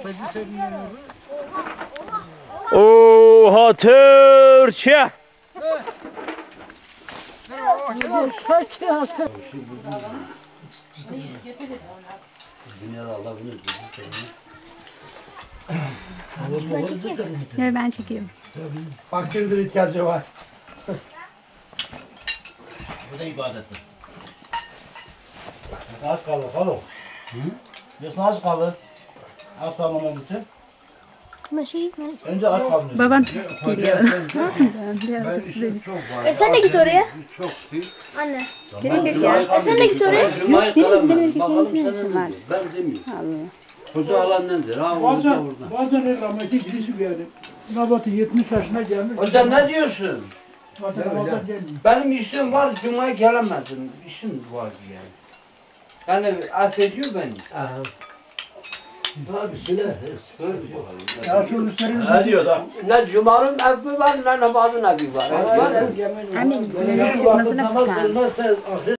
Oha Türkçe. Evet, ben çekiyorum. Fakirdir, ihtiyacı var. Bu da ibadettir. Az kaldı, kalın. Diyorsun az kaldı. Az kalmamak için. Önce az kaldı. Baban geliyor. Sen de git oraya. Çok iyi. Anne. Gerek yok ya. Sen de git oraya. Cuma'yı benim kalamaz. erkeklerin Bakalım içine senin işim var. nedir? Ben demiyorum. Allah. Koca alan nedir? Ha orada orada. Bazen rahmetli birisi geldi. Nabatı 70 yaşına gelmiş. Hocam ne diyorsun? Bazen Ramazan gelmiyor. Benim işim var, Cuma'ya gelemedim. İşim var yani. Yani affediyor beni. Tabii silah. Ya şu senin Ne diyor da? Ne Cuma'nın evi var, ne namazın evi var. Amin. Namazına Namaz bakar. kılmazsa